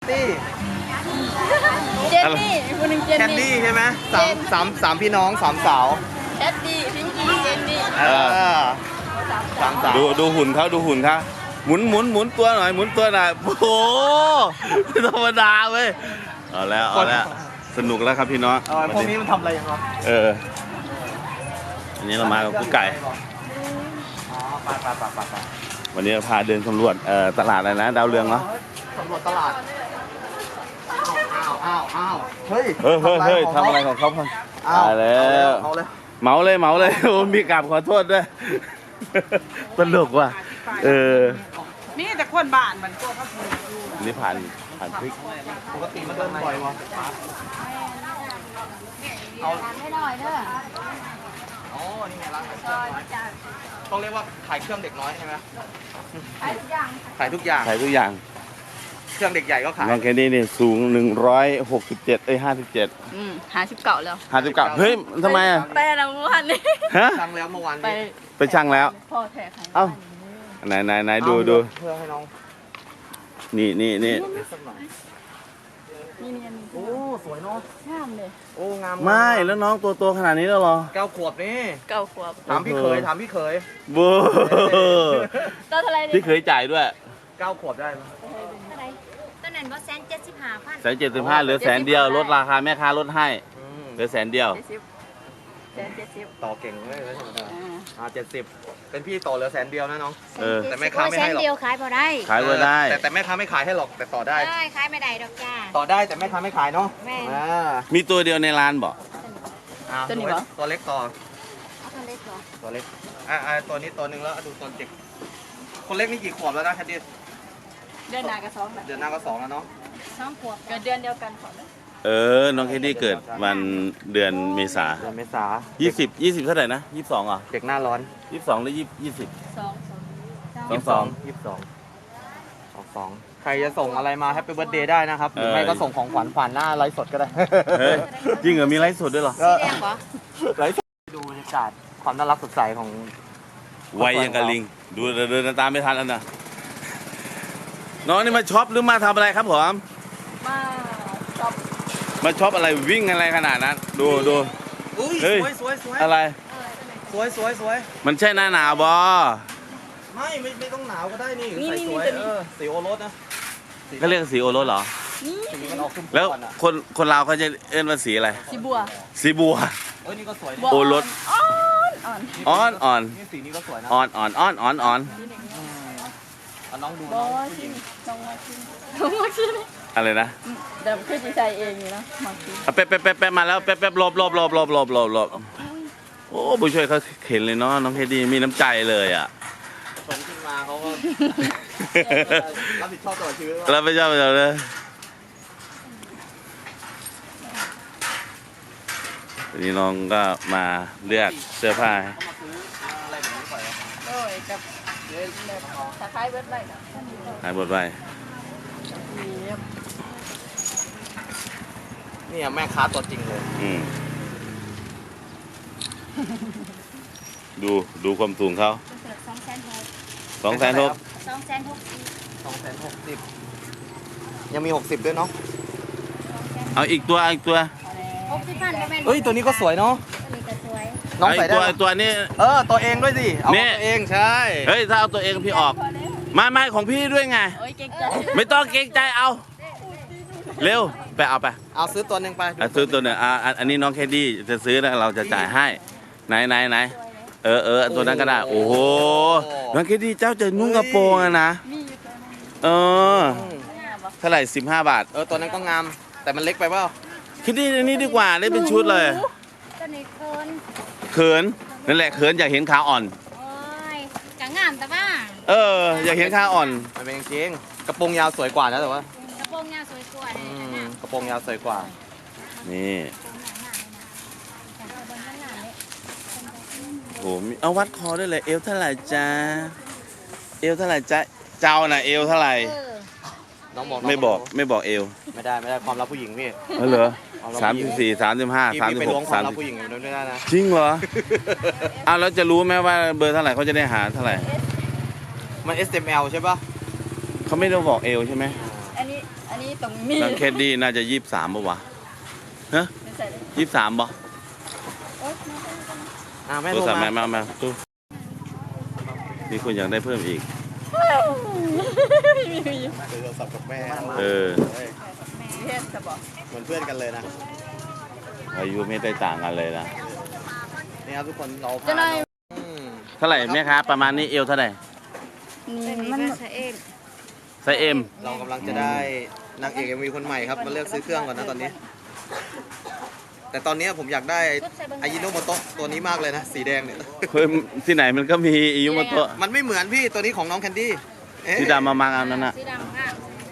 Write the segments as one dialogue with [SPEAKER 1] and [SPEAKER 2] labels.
[SPEAKER 1] ตี้
[SPEAKER 2] เจนนี่คนหนึ่งเจน
[SPEAKER 1] แคนดี้
[SPEAKER 2] นี่
[SPEAKER 1] ใช่ไหมสามพี่น้องสามสาว
[SPEAKER 2] แคดดี้พิงกี้เจนนี่
[SPEAKER 1] สามสาว
[SPEAKER 3] ดูหุ่นเขาดูหุ่นเขาหมุนตัวหน่อยหมุนตัวหน่อยโอ้โหไม่ธรรมดาเว้ยเอาแล้วสนุกแล้วครับพี่น้อง
[SPEAKER 1] พวกนี้มันทำอะไรยังไง
[SPEAKER 3] อันนี้เรามากับกุ๊กไก่
[SPEAKER 1] อ๋อไป
[SPEAKER 3] วันนี้เราพาเดินสำรวจตลาดอะไรนะดาวเรืองเนาะ
[SPEAKER 1] สำรวจตลาดอ้าวเฮ้ย
[SPEAKER 3] เฮ้ยทำอะไรของเขาพัง
[SPEAKER 1] อ้าว
[SPEAKER 3] ตายแล้ว
[SPEAKER 1] เอาเลย
[SPEAKER 3] เหมาเลยโอ้มีกราบขอโทษด้วยตลกว่ะ
[SPEAKER 2] มีแต่คนบ้านมันตัวเขาถูก
[SPEAKER 3] อันนี้ผ่านพริก
[SPEAKER 1] ปกติมันเดินบ่อยวะ
[SPEAKER 2] เอาไม่หน่อยเด้อ
[SPEAKER 1] อ๋อนี่ไงร้านขายเครื่องน้อยต้องเรียกว่าขายเครื่องเด็กน้อยใช่ไหม
[SPEAKER 2] ไอ้อย่าง
[SPEAKER 1] ขายทุกอย่าง
[SPEAKER 3] ขายทุกอย่าง
[SPEAKER 1] เครื่องเด็กใหญ่ก็ขาย
[SPEAKER 3] น้องแคนดี้นี่สูง167 57
[SPEAKER 2] 59แล้ว
[SPEAKER 3] 59เฮ้ยทำไมอ่ะ
[SPEAKER 2] แต่ละวันนี้
[SPEAKER 3] ฮะ
[SPEAKER 1] สั่งแล้วเมื่อวาน
[SPEAKER 2] ไป
[SPEAKER 1] นี้
[SPEAKER 3] ไปช่างแล้ว
[SPEAKER 2] พ่อแท้ใคร
[SPEAKER 3] เอ้าไหนดู
[SPEAKER 1] เพื่อให้น้อง
[SPEAKER 3] นี่
[SPEAKER 1] สักหน่อย
[SPEAKER 2] นี่นี่
[SPEAKER 1] โอ้สวยเนาะ
[SPEAKER 2] งามเลย
[SPEAKER 1] โอ้งาม
[SPEAKER 3] ไม่แล้วน้องตัวโตขนาดนี้แล้วเหรอ
[SPEAKER 1] 9 ขวบนี่
[SPEAKER 2] 9 ขวบ
[SPEAKER 1] ถามพี่เขย
[SPEAKER 3] บู
[SPEAKER 2] ตัวเท่าไรนี่
[SPEAKER 3] พี่เคยจ่ายด้วย
[SPEAKER 1] 9 ขวบได้ไหม
[SPEAKER 4] ต้นนั้นว่า175,000
[SPEAKER 3] 175เหลือ100,000เดียวลดราคาแม่ค้าลดให้เหลือ100,000เดียว
[SPEAKER 2] 70
[SPEAKER 1] ต่อเก่งเลย70เป็นพี่ต่อเหลือ100,000เดียวนะน้อง แต่แม่
[SPEAKER 4] 170
[SPEAKER 1] ค้าไม่ให้หรอก
[SPEAKER 4] เดียวขายพอได้
[SPEAKER 3] ขายไว้ได้
[SPEAKER 1] แต่แม่ค้าไม่ขายให้หรอกแต่ต่อได้
[SPEAKER 4] ได้ขายไม่ได้ดอกจ้า
[SPEAKER 1] ต่อได้แต่แม่ค้าไม่ขายเนาะ
[SPEAKER 4] แม่
[SPEAKER 3] มีตัวเดียวในร้านบอก
[SPEAKER 1] ตัวเล็กต่อ
[SPEAKER 4] เอาตัวเล็กก่อน
[SPEAKER 1] ตัวเล็กตัวนี้ตัวหนึ่งแล้วดูตัวเด็กคนเล็กนี่กี่ขวบแล้วนะแคดดี้
[SPEAKER 2] เดือนหน้ากับ2แบบ
[SPEAKER 1] เดือนหน้าก็2แล้วเนาะ
[SPEAKER 4] 2 ขวบ
[SPEAKER 2] เกิดเดือนเดียวกันขอ
[SPEAKER 3] น้องแคนดี้เกิดวันเดือนเมษา
[SPEAKER 1] เดือนเมษา
[SPEAKER 3] 20เท่าไหร่นะ22เหรอ
[SPEAKER 1] เด็กหน้าร้อน
[SPEAKER 3] 22หรือ20
[SPEAKER 1] ใครจะส่งอะไรมาแฮปปี้เบิร์ดเดย์ได้นะครับหรือไม่ก็ส่งของขวัญผ่านหน้าไลฟ์สดก็ได้
[SPEAKER 3] เฮ้ยจริงเหรอมีไลฟ์สดด้วยเหรอ
[SPEAKER 4] สีแดงเหรอ
[SPEAKER 1] ไลฟ์สดดูบรรยากาศความน่ารักสดใสของ
[SPEAKER 3] ไวยังกับลิงดูเดินตามไม่ทันแล้วนะน้องนี่มาช็อปหรือมาทำอะไรครับผม
[SPEAKER 2] มาชอบ
[SPEAKER 3] มาช็อปอะไรวิ่งอะไรขนาดนั้นดู
[SPEAKER 1] อุ้ย
[SPEAKER 3] เฮ้ย
[SPEAKER 1] สวย
[SPEAKER 3] อะไร
[SPEAKER 1] สวย
[SPEAKER 3] มันใช่หน้าหนาวบอ
[SPEAKER 1] ไม่ต้องหนาวก็ได้นี่ใส่สวยสีโอรสนะ
[SPEAKER 3] ก็เรียกสีโอรสเหรอ
[SPEAKER 1] สีมันออกขึ้น
[SPEAKER 3] แล้ว
[SPEAKER 1] ก่อนอ่ะ
[SPEAKER 3] คนลาวเขาจะเอิ้นว่าสีอะไร
[SPEAKER 2] สีบัว
[SPEAKER 3] สีบัว
[SPEAKER 1] เอ้ยนี่ก็สวย
[SPEAKER 3] โอรส
[SPEAKER 2] อ่อน
[SPEAKER 3] อ่อน
[SPEAKER 1] นี่สีนี้ก็สวยนะ
[SPEAKER 3] อ่อน
[SPEAKER 1] น้องดู
[SPEAKER 2] บ
[SPEAKER 1] น้
[SPEAKER 2] อ
[SPEAKER 1] อง
[SPEAKER 2] ชิมต้องมาชิมต้องมาชิม
[SPEAKER 3] อะไรนะ
[SPEAKER 2] เดี๋ยวคือจะใส่เองอยู่นะมาชิม
[SPEAKER 3] เอาแป๊บมาแล้วแป๊บหลบโอ้ผู้ช่วยเขาเข็นเลยเนาะน้องเคดีมีน้ำใจเลยอ่ะ
[SPEAKER 1] ชนขึ้นมาเขาก็ รับผิดชอบตลอดชีวิต
[SPEAKER 3] แล้วไม่ชอบเลยวันนี้น้องก็มาเลือกเสื้อผ้า
[SPEAKER 1] เขามาซื้ออะไรแบบนี้ไป
[SPEAKER 2] โอ้ยกับแบบคล้ายๆเบิร์ดไลท์นะ
[SPEAKER 3] หายบทไป
[SPEAKER 1] นี่แม่ค้าตัวจริงเลย
[SPEAKER 3] ดูความสูงเขา
[SPEAKER 4] 260,000
[SPEAKER 3] 260,000
[SPEAKER 1] 260ยังมี60ด้วยเนาะ
[SPEAKER 3] เอาอีกตัว
[SPEAKER 4] 60,000ก็แม่น
[SPEAKER 1] เฮ้ยตัวนี้ก็สวยเนาะ
[SPEAKER 4] ตัวนี้ก็สวย
[SPEAKER 1] น้อง
[SPEAKER 3] ไอ้
[SPEAKER 1] ใส่ได้
[SPEAKER 3] ตัวนี้
[SPEAKER 1] ตัวเองด้วยสิเอา
[SPEAKER 3] นี่
[SPEAKER 1] ตัวเองใช่
[SPEAKER 3] เฮ้ยถ้าเอาตัวเองพี่ออกไม่ของพี่ด้วยไง
[SPEAKER 2] โอ้ยเก่งใจ
[SPEAKER 3] ไม่ต้องเกรงใจเอา เร็วไปเอาไป
[SPEAKER 1] เอาซื้อตัวหนึ่งไป
[SPEAKER 3] ซื้อตัวหนึ่งอันนี้น้องแคดดี้จะซื้อแล้วเราจะจ่ายให้ไหนตัวนั้นก็ได้โอ้โหน้องแคดดี้เจ้าจะนุ่งกระโปรงอะนะเท่าไหร่15 บาท
[SPEAKER 1] ตัวนั้นก็งามแต่มันเล็กไปเปล่า
[SPEAKER 3] แคดดี้อันนี้ดีกว่าได้เป็นชุดเลย
[SPEAKER 4] ตัวนี้เคิน
[SPEAKER 3] เขินนั่นแหละเขินอยากเห็นขาอ่อน
[SPEAKER 4] โอ้ยกะงามแต่ว่า
[SPEAKER 3] อยากเห็นขาอ่อน
[SPEAKER 1] มันเป็นจริงกระโปรงยาวสวยกว่านะแต่ว่าก
[SPEAKER 4] ระโปรงยาวสวยกว่าเนี่ย
[SPEAKER 1] กระโปรงยาวสวยกว่า
[SPEAKER 3] นี่
[SPEAKER 4] แต่เอาบนข้างหน้าเลย
[SPEAKER 3] โหมีเอาวัดคอด้วยเลยเอวเท่าไหร่จ้าเอวเท่าไหร่จ้าเจ้าน่ะเอวเท่าไหร่
[SPEAKER 1] น้องบอก
[SPEAKER 3] ไม่บอกเอว
[SPEAKER 1] ไม่ได้ความลับผู้หญิงพี่
[SPEAKER 3] เหรอ
[SPEAKER 1] เอาเรา
[SPEAKER 3] 34 35
[SPEAKER 1] พี่ไปล้วงความลับผู้ห
[SPEAKER 3] 36
[SPEAKER 1] ญิงอยู่นั้นไม่ได้นะ
[SPEAKER 3] จริงเหรออ้าวแล้วจะรู้ไหมว่าเบอร์เท่าไหร่เขาจะได้หาเท่าไหร่
[SPEAKER 1] มัน SML ใช่ป่ะ
[SPEAKER 3] เขาไม่ได้บอกเอวใช่ไหม
[SPEAKER 2] อันนี้ตรงนี้
[SPEAKER 3] น้องแคดดี้น่าจะ23ป่ะวะฮะ
[SPEAKER 2] ไม่ใส่เลย
[SPEAKER 3] 23ป่ะ
[SPEAKER 2] โอ๊ย
[SPEAKER 1] แม่
[SPEAKER 3] โทร
[SPEAKER 1] โทร
[SPEAKER 3] ศัพท์
[SPEAKER 1] มา
[SPEAKER 3] มาตู้มีคนอยากได้เพิ่มอีก
[SPEAKER 1] คุยโทรศัพท์กับแม่
[SPEAKER 3] เออ
[SPEAKER 2] เทศจะบอก
[SPEAKER 1] เหมือนเพื่อนกันเลยนะ
[SPEAKER 3] อายุไม่ได้ต่างกันเลยนะ
[SPEAKER 1] นี่ครับทุกคนเรา
[SPEAKER 2] จะได้
[SPEAKER 3] เท่าไหร่แม่ค้าประมาณนี้เอวเท่าไหร่
[SPEAKER 2] นี่มัน
[SPEAKER 4] ใส่เอง
[SPEAKER 3] ไซส์เอ็ม
[SPEAKER 1] เรากำลังจะได้นางเอกMVคนใหม่ครับมาเลือกซื้อเครื่องก่อนนะตอนนี้ แต่ตอนนี้ผมอยากได้อายิโนโมโตะตัวนี้มากเลยนะสีแดงเนี่ย
[SPEAKER 3] เฮ้ยที่ไหนมันก็มีอิยุโมโตะ
[SPEAKER 1] มันไม่เหมือนพี่ตัวนี้ของน้องแคนดี้เอ๊ะ
[SPEAKER 3] ที่ดำมามังอันนั้นน่ะ
[SPEAKER 4] สีดำค่ะ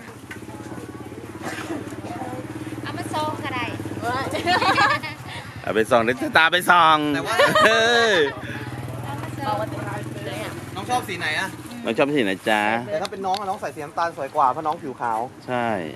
[SPEAKER 4] เอามาซองก็ได้
[SPEAKER 3] เอาไปส่องเดี๋ยวจะตาไปส่อง
[SPEAKER 1] แต่ว่า
[SPEAKER 3] เฮ้ย
[SPEAKER 2] เอามาติดเลยอ่ะ
[SPEAKER 1] น้องชอบสีไหนอะ
[SPEAKER 3] น้องชอบสีไหนจ๊ะ
[SPEAKER 1] แต่ถ้าเป็นน้องอะน้องใส่สีน้ำตาลสวยกว่าเพราะน้องผิวขาว
[SPEAKER 3] ใช่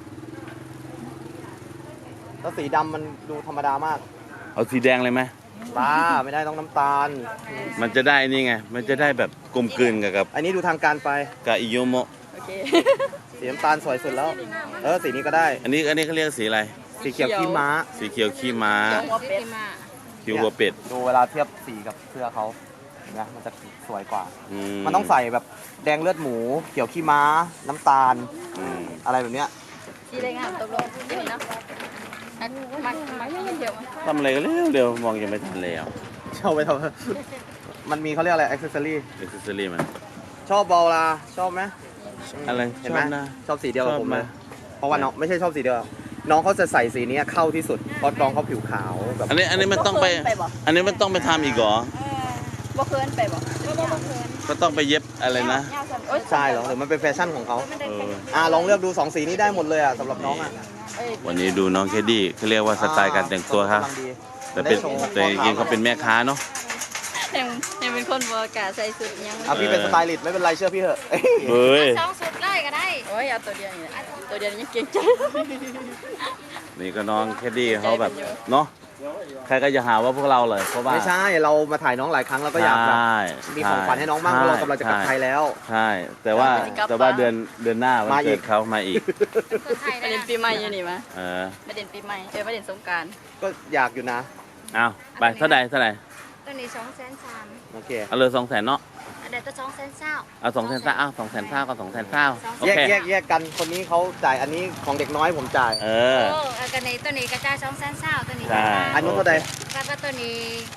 [SPEAKER 1] แล้วสีดำมันดูธรรมดามาก
[SPEAKER 3] เอาสีแดงเลยไหม
[SPEAKER 1] บ้าไม่ได้ต้องน้ำตาล
[SPEAKER 3] มันจะได้นี่ไง มันจะได้แบบกลมกลืนกับ
[SPEAKER 1] อันนี้ดูทางการไป
[SPEAKER 3] อิยุโมะ
[SPEAKER 2] โอเค
[SPEAKER 1] สีน้ำตาลสวยสุดแล้ว สีนี้ก็ได้
[SPEAKER 3] อันนี้เขาเรียกสีอะไร
[SPEAKER 1] สีเขียวขี้ม้า
[SPEAKER 3] สีเขียวขี้ม้า
[SPEAKER 2] หัวเป็ด
[SPEAKER 3] คิวหัวเป็ด
[SPEAKER 1] ดูเวลาเทียบสีกับเสื้อเขาเห็นไหมมันจะสวยกว่า
[SPEAKER 3] อื
[SPEAKER 1] มันต้องใส่แบบแดงเลือดหมู เขียวขี้ม้า น้ำตาล
[SPEAKER 3] อืม
[SPEAKER 1] อะไรแบบเนี้ย
[SPEAKER 2] สีแดงอ่ะตกลงที่นี่นะมาเที่ยว
[SPEAKER 3] ทำอะไรกันเร็วๆมองยังไม่ทันเลยอ่ะ
[SPEAKER 1] ชอบไปทำ มันมีเขาเรียกอะไรอ็อกเซสซอรี่
[SPEAKER 3] เอ็กซ์เซอรี่มัน
[SPEAKER 1] ชอบบอลลาชอบไหม
[SPEAKER 3] อะไร
[SPEAKER 1] เห็น
[SPEAKER 3] ช
[SPEAKER 1] ไหม
[SPEAKER 3] อบนะ
[SPEAKER 1] ชอบสีเดียวกับผม
[SPEAKER 3] ชอบไหม
[SPEAKER 1] เลยเพราะว่าน้องไม่ใช่ชอบสีเดียว น้องเขาจะใส่สีนี้เข้าที่สุดเพราะน้องเขาผิวขาวแบบ
[SPEAKER 3] อันนี้มันต้องไป อันนี้มันต้องไปทำอีกเหรอ
[SPEAKER 2] บ่เคินไปบ่
[SPEAKER 3] ก็ต้องไปเย็บอะไรนะ
[SPEAKER 1] ใช่เหรอหรือมันเป็นแฟชั่นของเขา
[SPEAKER 3] เออ
[SPEAKER 1] ลองเลือกดู2สีนี้ได้หมดเลยอ่ะสำหรับน้องอ่ะ
[SPEAKER 3] วันนี้ดูน้องแคดดี้เขาเรียกว่าสไตล์การแต่งตัวครับ
[SPEAKER 1] กำลังดี
[SPEAKER 3] แต่เป็นแต่จริงๆเขาเป็นแม่ค้าเนาะ
[SPEAKER 2] ยังเป็นคนบ่กล้าใส่สุดยัง
[SPEAKER 1] พี่เป็นสไตลิสต์ไม่เป็นไรเชื่อพี่เถอะ
[SPEAKER 3] เฮ้ย
[SPEAKER 4] ซองสุดเลยก็ได้
[SPEAKER 2] โอ้ยเอาตัวเดียวนี่แหละตัวเดียวยังเก่งใจ
[SPEAKER 3] นี่ก็น้องแคดดี้เขาแบบเนาะใครก็จะหาว่าพวกเราเลยเพราะว่า
[SPEAKER 1] ไม่ใช่เรามาถ่ายน้องหลายครั้งแล้วก็อยากแบบ
[SPEAKER 3] ใช่
[SPEAKER 1] มีของขวัญให้น้องบ้างเพราะเรากำลังจะกลับไทยแล้ว
[SPEAKER 3] ใช่ แต่ว่าเดือนหน้าวัน
[SPEAKER 1] มาอี
[SPEAKER 3] เกิ
[SPEAKER 1] ก
[SPEAKER 3] ดเขามาอีก
[SPEAKER 4] คนไทย
[SPEAKER 2] ประ
[SPEAKER 4] ได้
[SPEAKER 2] เด็นปีใหม่อยู่นี่มา
[SPEAKER 3] เออ
[SPEAKER 2] ประเด็นปีใหม่ประเด็นสงกราร
[SPEAKER 1] ก็อยากอยู่นะ
[SPEAKER 3] เอาไปเท่าไหร่
[SPEAKER 4] ตัวนี้230,000
[SPEAKER 1] โอเค
[SPEAKER 3] เอาเลย200,000เนาะ
[SPEAKER 4] อันเดียวก็220,000
[SPEAKER 3] เอา200,000เอา200,000ก็200,000โอ
[SPEAKER 1] แยก
[SPEAKER 3] เค
[SPEAKER 1] แยกกันคนนี้เขาจ่ายอันนี้ของเด็กน้อยผมจ่าย
[SPEAKER 3] เออ
[SPEAKER 4] โอ้ตัวนี้กระจาย220,000ตัวนี้
[SPEAKER 3] ใช่
[SPEAKER 1] อันนู้นเท่าไหร่
[SPEAKER 4] ก็ตัวนี้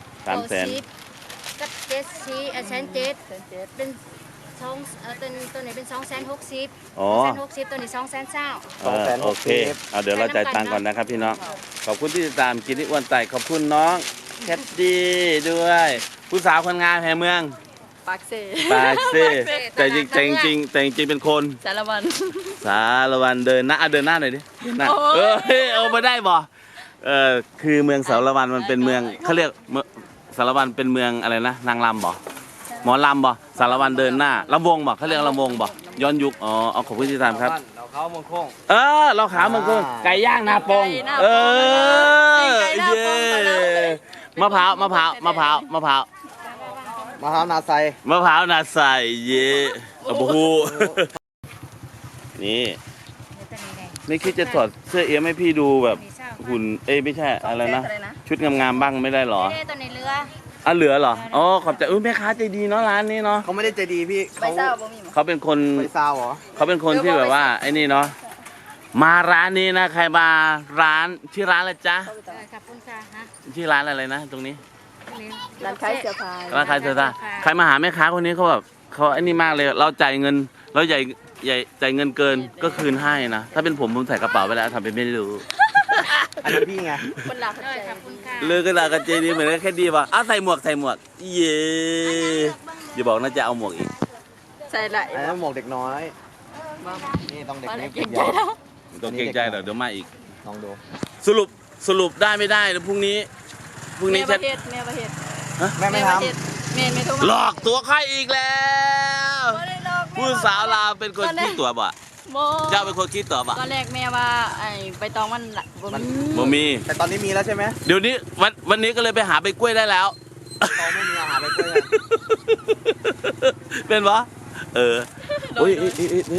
[SPEAKER 3] 300,000
[SPEAKER 4] ก็7,000 1,700เป็นตัวนี้เป็น260,000
[SPEAKER 3] อ๋อ
[SPEAKER 4] 260,000ตัวนี้220,000
[SPEAKER 3] โอเค เอาเดี๋ยวเราจ่ายตังค์ก่อนนะครับพี่น้อง ขอบคุณที่ติดตามกินที่อ้วนไต่ขอบคุณน้องแคทดี้ด้วย ผู้สาวคนงามแห่งเมือง
[SPEAKER 2] ปากเซ่
[SPEAKER 3] ปากเซ่แต่จริงเป็นคน
[SPEAKER 2] สารวัน
[SPEAKER 3] สารวันเดินหน้าเดินหน้าหน่อยดิเดินหน้า
[SPEAKER 2] โอ้ย
[SPEAKER 3] เอามาได้บ่คือเมืองสารวันมันเป็นเมืองเขาเรียกสารวันเป็นเมืองอะไรนะนางรำบ่หมอลำบ่สารวันเดินหน้าลำวงบ่เขาเรียกลำวงบ่ย้อนยุคเอาขอบคุณที่ติดตามครับ
[SPEAKER 1] เราเขามงคง
[SPEAKER 3] เราขามันคือไก่ย่างนาปงเย้มะพร้าวนาใส
[SPEAKER 1] มะพร้าว
[SPEAKER 3] นาใสเย่โอ้โหนี่ไม่คิดจะถอดเสื้อเอี้ยมให้พี่ดูแบบหุ่นไม่ใช่อะไรนะชุดงามๆบ้างไม่ได้หรอ
[SPEAKER 4] ไม่ได้ตัวในเรือ
[SPEAKER 3] เหลือเหรอขอบใจแม่ค้าใจดีเนาะร้านนี้เนาะ
[SPEAKER 1] เขาไม่ได้ใจดีพี่
[SPEAKER 2] ใบเศร้าบ่มีหมด
[SPEAKER 3] เขาเป็นคน
[SPEAKER 1] ไปซาวเหรอ
[SPEAKER 3] เขาเป็นคนที่แบบว่าไอ้นี่เนาะมาร้านนี้นะใครมาร้านชื่อร้านอะไรจ๊ะ
[SPEAKER 4] ขอบคุณค่ะฮะ
[SPEAKER 3] ชื่อร้านอะไรนะตรงนี้
[SPEAKER 2] ร้านขายเสื้อผ้า
[SPEAKER 3] ร้านขายเสื้อผ้าใครมาหาแม่ค้าคนนี้เขาแบบเขาไอ้นี่มากเลยเราจ่ายเงินเราใหญ่จ่ายเงินเกินก็คืนให้นะถ้าเป็นผมใส่กระเป๋าไปแล้วทำเป็นไม่รู้
[SPEAKER 1] อันนั้นพี่ไง
[SPEAKER 2] คนหลัก
[SPEAKER 4] ด้วยขอบคุณค่ะ
[SPEAKER 3] เลือกกระดาษกันเจดีเหมือนแค่ดีป่ะใส่หมวกเย่อย่าบอกน่าจะเอาหมวกอีก
[SPEAKER 2] ใส่ไหล
[SPEAKER 1] อันนั้นหมวกเด็กน้อย นี่ต้องเด็กนี้
[SPEAKER 2] เก่งใจแล้ว
[SPEAKER 3] ต้องเกรงใจเดี๋ยวมาอีก
[SPEAKER 1] ลองดู
[SPEAKER 3] สรุปได้ไม่ได้เดี๋ยวพรุ่งนี้
[SPEAKER 2] เมีย
[SPEAKER 3] จะ
[SPEAKER 2] ประเทศเมียประเทศ
[SPEAKER 1] แม่ไม่ท
[SPEAKER 2] เมียไม่ทุก
[SPEAKER 3] หลอกตัวใครอีกแล้วผู้สาวลาวเป็นคนคิดตัวบ่
[SPEAKER 2] โม
[SPEAKER 3] เจ้าเป็นคนคิดตัวบ่
[SPEAKER 2] ตอนแรกแม่ว่าไอ้ใบตองมันบ่มี
[SPEAKER 3] บ่มี
[SPEAKER 1] ำแต่ตอนนี้มีแล้วใช่ไหม
[SPEAKER 3] เดี๋ยวนี้วันนี้ก็เลยไปหาใบกล้วยได้แล้ว
[SPEAKER 1] เขาไม่มีอาหารไปเพื่อน
[SPEAKER 3] เป็นวะโอ้ย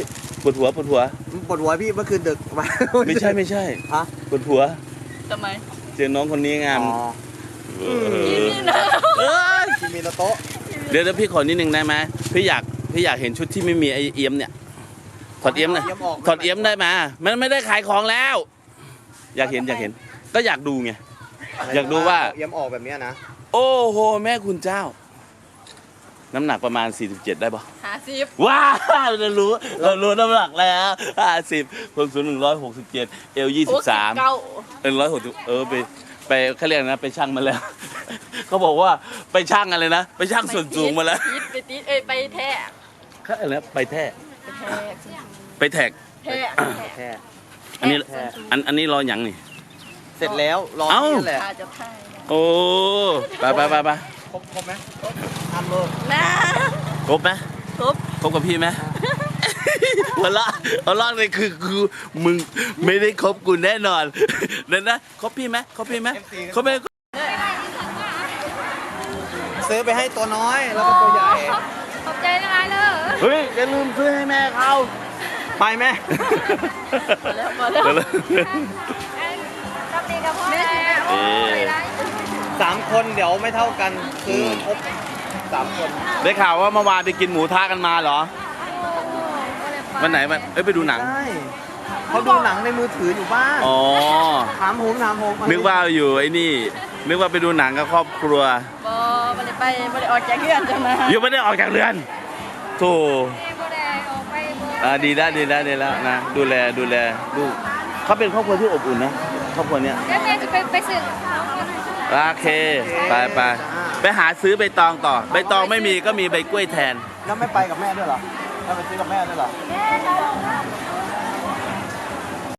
[SPEAKER 3] ปวดหัว
[SPEAKER 1] ปวดหัวพี่เมื่อคืนดึกมา
[SPEAKER 3] ไม่ใช่
[SPEAKER 1] ฮะ
[SPEAKER 3] ปวดหัว
[SPEAKER 2] ทำไม
[SPEAKER 3] เจอน้องคนนี้งาม
[SPEAKER 1] อ๋อ
[SPEAKER 2] นี่นะ
[SPEAKER 1] คิมิโนโตะ
[SPEAKER 3] เดี๋ยวพี่ขอนิดนึงได้ไหมพี่อยากเห็นชุดที่ไม่มีไอเอี้ยมเนี่ยถอดเอี้ยมหน่อยถอดเอี้ยมได้ไหมมันไม่ได้ขายของแล้ว อยากเห็นก็อยากดูไง อยากดูว่า
[SPEAKER 1] เอี้ยมออกแบบเนี้ยนะ
[SPEAKER 3] โอ้โหแม่คุณเจ้า น้ำหนักประมาณ 47 ได้ปะ
[SPEAKER 2] 50
[SPEAKER 3] ว้าวเรารู้น้ำหนักแล้ว50ความสูง167เอล23 160ไปเขาเรียกนะไปชั่งมาแล้ว เขาบอกว่าไปชั่งอะไรนะไปชั่งส่วนสูงมาแล้ว
[SPEAKER 2] ไปติดไปแทะ
[SPEAKER 3] เขาอะไรนะไปแท้ไปแท็ก
[SPEAKER 2] แทะ
[SPEAKER 1] แค่
[SPEAKER 3] อันนี้รออย่างนี่
[SPEAKER 1] เสร็จแล้วรอ
[SPEAKER 3] เอ้า
[SPEAKER 1] นี่แหละ
[SPEAKER 2] อาจจะไทย
[SPEAKER 3] โอ้ไป
[SPEAKER 1] ครบไหมทำเลย
[SPEAKER 2] นะ
[SPEAKER 3] ครบไหม
[SPEAKER 2] ครบ
[SPEAKER 3] ครบกับพี่ไหม หัวเราะเลยคือมึงไม่ได้คบกูแน่นอนนั่นนะคบพี่ไหมคบไหม
[SPEAKER 1] ซื้อไปให้ตัวน้อยแล้วก็ตัวใหญ่
[SPEAKER 2] ขอบใจนะไอ้เลย
[SPEAKER 3] เฮ้ยอย่าลืมซื้อให้แม่เขา
[SPEAKER 1] ไปแม่
[SPEAKER 2] แล้ว
[SPEAKER 4] กับดีกับพ่อ
[SPEAKER 2] แม่
[SPEAKER 1] 3 คนเดี๋ยวไม่เท่ากันซื้อครบ3 คน
[SPEAKER 3] ได้ข่าวว่าเมื่อวานไปกินหมูทะกันมาเหรอวันไหนไปดูหนัง
[SPEAKER 1] ใช่เขาดูหนังในมือถืออยู่บ้าน
[SPEAKER 3] อ๋อ
[SPEAKER 1] ถามผม
[SPEAKER 3] นึกว่าอยู่ไอ้นี่นึกว่าไปดูหนังกับครอบครัว
[SPEAKER 2] บ่ได้ออกจากเรือนจังนะ
[SPEAKER 3] ยังไม่ได้ออกจากเรือนโธ่ดีแล้วนะดูแลลูกเขาเป็นครอบครัวที่อบอุ่นนะครอบครัวเนี้ย
[SPEAKER 4] แล้วแม่จะไปสื่อ
[SPEAKER 3] โอเคไปหาซื้อใบตองต่อใบตองไม่มีก็มีใบกล้วยแทน
[SPEAKER 1] แล้วไม่ไปกับแม่ด้วยเหรอแล้วไปซื้อกับแม่ด้วยเหรอ